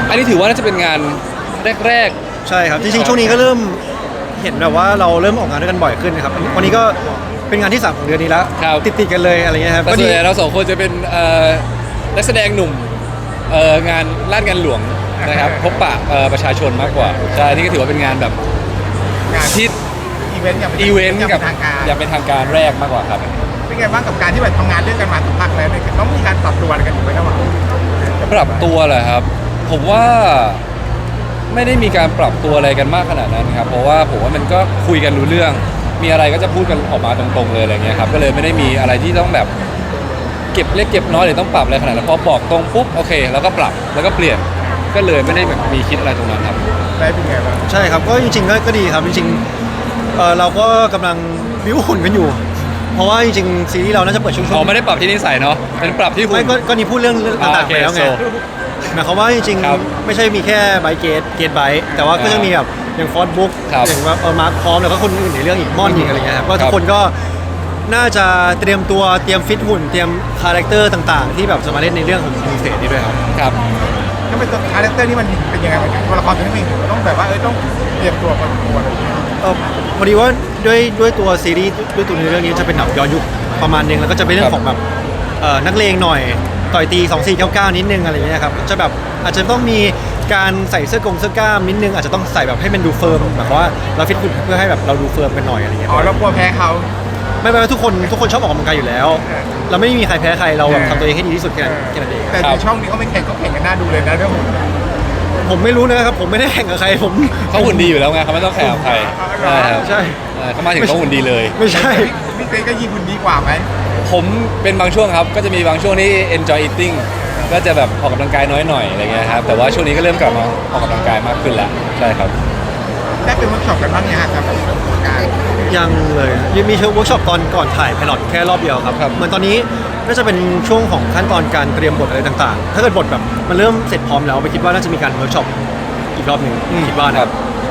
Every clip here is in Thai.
อันนี้ถือว่าน่าจะเป็นงานแรกใช่ครับจริงๆช่วงนี้ก็เริ่มเห็นแบบว่าเราเริ่มออกงานด้วยกันบ่อยขึ้นนะครับวันนี้ก็เป็นงานที่3ของเดือนนี้แล้วติดกันเลยอะไรเงี้ยครับแต่ส่วนใหญ่เรา2 คนจะเป็นนักแสดงหนุ่มงานลาดงานหลวงนะครับพบปะประชาชนมากกว่าใช่นี่ก็ถือว่าเป็นงานแบบงานที่อีเวนต์อย่างกับทางการอย่างเป็นทางการแรกมากกว่าครับเป็นไงบ้างกับการที่แบบทำงานด้วยกันมาสักพักแล้วเนี่ยต้องมีการปรับตัวอะไรกันอยู่ไหมระหว่างปรับตัวเหรอครับผมว่าไม่ได้มีการปรับตัวอะไรกันมากขนาดนั้นครับเพราะว่าผมว่ามันก็คุยกันรู้เรื่องมีอะไรก็จะพูดกันออกมาตรงๆเลยอะไรเงี้ยครับก็เลยไม่ได้มีอะไรที่ต้องแบบเก็บเล็กเก็บน้อยหรือต้องปรับอะไรขนาดนั้นพอบอกตรงปุ๊บโอเคแล้วก็ปรับแล้วก็เปลี่ยนก็เลยไม่ได้แบบมีคิดอะไรตรงนั้นครับได้เป็นไงบ้างใช่ครับก็จริงๆก็ดีครับจริงๆเราก็กำลังวิวหุ่นกันอยู่เพราะว่าจริงๆซีรีส์เราน่าจะเปิดช่วงไม่ได้ปรับที่นิสัยเนาะเป็นปรับที่หุ่นไม่ก็นี่พูดเรื่องต่างๆไปแล้วไงหมายความว่าจริงๆไม่ใช่มีแค่ไบเกตไบแต่ว่าก็จะมีแบบอย่างฟอสบุ๊กอย่างว่ามาร์คพร้อมแล้วก็คนอื่นในเรื่องอีกม่อนอีกอะไรเงี้ยครับก็ทุกคนก็น่าจะเตรียมตัวเตรียมฟิตหุ่นเตรียมคาแรคเตอร์ต่างๆที่แบบจะมาเล่นในเรื่องของพิเศษนี้ด้วยครับครับก็เป็นตัวคาแรคเตอร์นี่มันเป็นยังไงตัวละครตัวนี้มันต้องแบบว่าต้องเตรียมตัวมาตัวอะไรอย่างเงี้ยพอดีว่าด้วยตัวซีรีส์ด้วยตัวเรื่องนี้จะเป็นแบบย้อนยุคประมาณนึงแล้วก็จะเป็นเรื่องของแบบนักเลงหน่อยต่อยตี2499นิดนึงอะไรอย่างเงี้ยครับจะแบบอาจจะต้องมีการใส่เสื้อกล้ามนิดนึงอาจจะต้องใส่แบบให้มันดูเฟิร์มแบบว่าเราฟิตหุ่นเพื่อให้แบบเราดูเฟิร์มกันหน่อยอะไรเงี้ยเรากลัวแพ้เขาไม่เป็นไรทุกคนชอบออกกำลังกายอยู่แล้วเราไม่มีใครแพ้ใครเราแบบทำตัวเองให้ดีที่สุดแค่นั้นเองแต่ในช่องนี้เขาไม่แข่งก็แข่งกันน่าดูเลยนะเรื่องหุ่นผมไม่รู้นะครับผมไม่ได้แข่งกับใครเขาหุ่นดีอยู่แล้วไงเขาไม่ต้องแข่งกับใครใช่เขามาถึงเขาหุ่นดีเลยไม่ใช่พี่เต้ก็ยิงหุ่นดีกว่าไหมผมเป็นบางช่วงครับก็จะมีบางช่วงที่ enjoy eating ก็จะแบบออกกำลังกายน้อยหน่อยอะไรเงี้ยครับแต่ว่าช่วงนี้ก็เริ่มกลับมาออกกำลังกายมากขึ้นแล้วใช่ครับได้เป็นเวิร์กช็อปกันบ้างเนี่ยครับยังเลยยังมีเวิร์กช็อปตอนก่อนถ่ายไพลอตแค่รอบเดียวครับเหมือนตอนนี้น่าจะเป็นช่วงของขั้นตอนการเตรียมบทอะไรต่างๆถ้าเกิดบทแบบมันเริ่มเสร็จพร้อมแล้วไปคิดว่าน่าจะมีการเวิร์กช็อปอีกรอบหนึ่งคิดว่านะครับ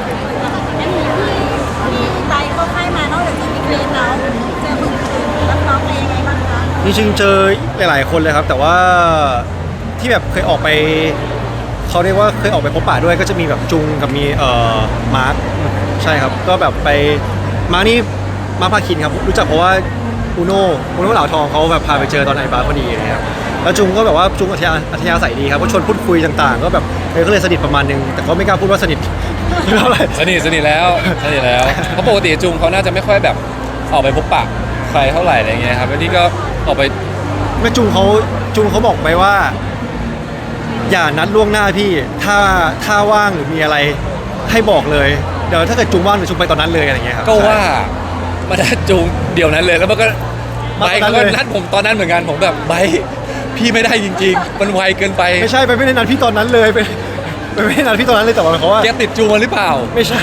ที่ไบก็ให้มานอกจากจะมีเกรนแล้วเจอคนอื่นรับน้องอะไรยังไงบ้างคะจริงๆเจอหลายๆคนเลยครับแต่ว่าที่แบบเคยออกไปเขาเรียกว่าเคยออกไปพบปะด้วยก็จะมีแบบจุงกับมีมาร์คใช่ครับก็แบบไปมาร์คนี่มาร์คพาคินครับรู้จักเพราะว่าอูโน่เหล่าทองเขาแบบพาไปเจอตอนไอบาร์พอดีนะครับแล้วจุงก็แบบว่าจุงอัธยาศัยดีครับก็ชวนพูดคุยต่างๆก็แบบก็เลยสนิทประมาณนึงแต่ก็ไม่กล้าพูดว่าสนิทเท่าไหร่สนิทแล้วเพราะปกติจุงเขาน่าจะไม่ค่อยแบบออกไปพบปะใครเท่าไหร่อะไรเงี้ยครับแล้วนี่ก็ออกไปไม่จุงเขาบอกไปว่าอย่านัดล่วงหน้าพี่ถ้าว่างหรือมีอะไรให้บอกเลยเดี๋ยวถ้าเกิดจุงว่างเดี๋ยวจุงไปตอนนั้นเลยอะไรเงี้ยครับก็ว่ามานัดจุงเดี๋ยวนั้นเลยแล้วมันก็ไบก็นัดผมตอนนั้นเหมือนกันผมแบบไบพี่ไม่ได้จริงๆมันไวเกินไปไม่ใช่ไปไม่ได้นัดพี่ตอนนั้นเลยไปไม่ได้นัดพี่ตอนนั้นเลยแต่ว่าเขาว่าแกติดจุงมาหรือเปล่าไม่ใช่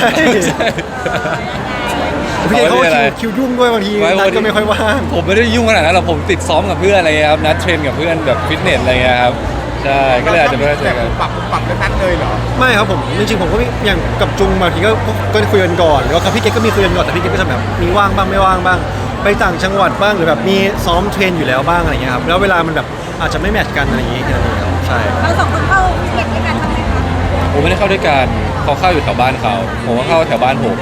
พี่เขาคิวยุ่งด้วยบางทีนัดก็ไม่ค่อยว่างผมไม่ได้ยุ่งขนาดนั้นหรอกผมติดซ้อมกับเพื่อนอะไรเงี้ยครับนัดเทรนกับเพื่อนแบบฟิตเนสอะไรเงี้ยครับใช่ก็เลยอาจจะไม่ได้เจอกันปรับกันนัดเลยเหรอไม่ครับผมจริงๆผมก็อย่างกับจุงบางทีก็คุยกันก่อนแล้วกับพี่เกดก็มีคุยกันก่อนแต่พี่เกดก็จะแบบมีว่างบ้างไม่ว่างบ้างไปต่างจังหวัดบ้างหรือแบบมีซ้อมเทรนอยู่แล้วบ้างอะไรเงี้ยครับแล้วเวลามันแบบอาจจะไม่แมทช์กันอะไรอย่างเงี้ยครับใช่เราสองคนเข้าเรียนด้วยกันทำไมคะผมไม่ได้เข้าด้วยกันเขาเข้าอยู่แถวบ้านเขาผมก็เข้าแถวบ้านผม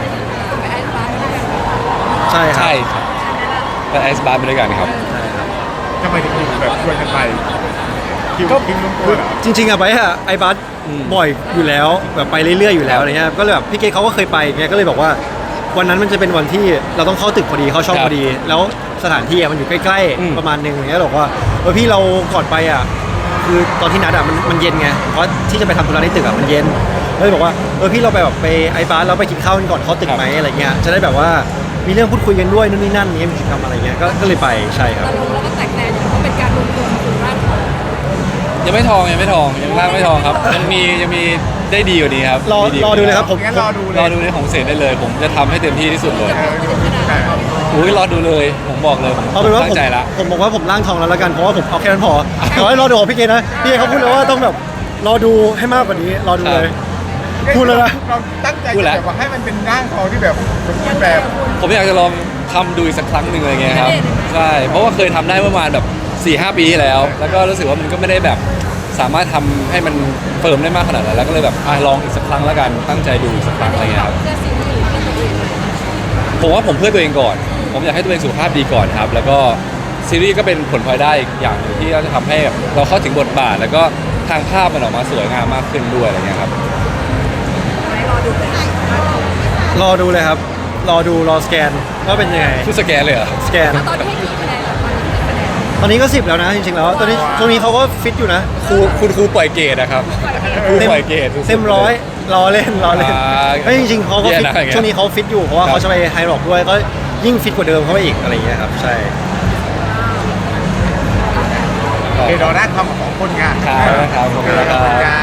ใช่ครับไปไอซ์บาร์ไปด้วยกันครับทำไมถึงแบบชวนกันไปก็จริงๆอะไปอะไอบัสบ่อยอยู่แล้วแบบไปเรื่อยๆอยู่แล้วอะไรเงี้ยก็เลยแบบพี่เกดเขาก็เคยไปไงก็เลยบอกว่าวันนั้นมันจะเป็นวันที่เราต้องเข้าตึกพอดีเข้าช่องพอดีแล้วสถานที่มันอยู่ใกล้ๆประมาณนึงอย่างเงี้ยบอกว่าพี่เราก่อนไปอะคือตอนที่นัดอะมันเย็นไงเพราะที่จะไปทำธุระในตึกอะมันเย็นเลยบอกว่าพี่เราไปแบบไปไอบัสแล้วไปกินข้าวกันก่อนเข้าตึกไหมอะไรเงี้ยจะได้แบบว่ามีเรื่องพูดคุยกันด้วยนู่นนี่นั่นนี้มีกิจกรรมอะไรเงี้ยก็เลยไปใช่ครับแล้วก็แตกแตนก็เป็นการรวมตัวของร่างยังไม่ทองยังร่างไม่ทองครับยังมีได้ดีกว่านี้ครับรอดูเลยครับผมรอดูในของเศษได้เลยผมจะทำให้เต็มที่ที่สุดเลยรอดูเลยผมบอกเลยเอาเป็นว่าผมบอกว่าผมร่างทองแล้วกันเพราะว่าผมเอาแค่นั้นพอแต่ว่ารอดูของพี่เกนะพี่เขาพูดเลยว่าต้องแบบรอดูให้มากกว่านี้รอดูเลยพูดแล้วนะเราตั้งใจแบบว่าให้มันเป็นร่างทองที่แบบสมบูรณ์แบบผมอยากจะลองทำดูอีกสักครั้งหนึ่งอะไรเงี้ยครับใช่เพราะว่าเคยทำได้ประมาณแบบ4-5 ปีที่แล้วก็รู้สึกว่ามันก็ไม่ได้แบบสสามารถทำให้มันเฟิร์มได้มากขนาดนั้นแล้วก็เลยแบบลองอีกสักครั้งแล้วกันตั้งใจดูอีกสักครั้งอะไรเงี้ยครับเพื่อซีรีส์หรือเพื่อตัวเองผมว่าผมเพื่อตัวเองก่อน ผมอยากให้ตัวเองสุขภาพดีก่อนครับ แล้วก็ซีรีส์ก็เป็นผลพลอยได้อีกอย่างหนึ่งที่จะทำให้แบบเราเข้าถึงบทบาท แล้วก็ทางภาพมันออกมาสวยงามมากขึ้นด้วยอะไรเงี้ยครับรอดูเลยรอดูเลยครับ รอสแกนว่าเป็นยังไงคือสแกนเลยเหรอสแกนตอนนี้ให้กี่คะแนนแล้วตอนนี้กี่คะแนนตอนนี้ก็10แล้วนะจริงๆแล้วตอนนี้ช่วงนี้เขาก็ฟิตอยู่นะคุณครูปล่อยเกรดนะครับครูปล่อยเกรดสุดๆเต็มร้อยรอเล่นไม่จริงๆเขาก็ฟิตแย่นะอย่างเงี้ยช่วงนี้เขาฟิตอยู่เพราะว่าครับเขาจะไปไฮร็อกด้วยก็ยิ่งฟิตกว่าเดิมเข้าไปอีกอะไรอย่างเงี้ยครับใช่โอเครอหน้าทำของคนงานครับขอบคุณนะครับ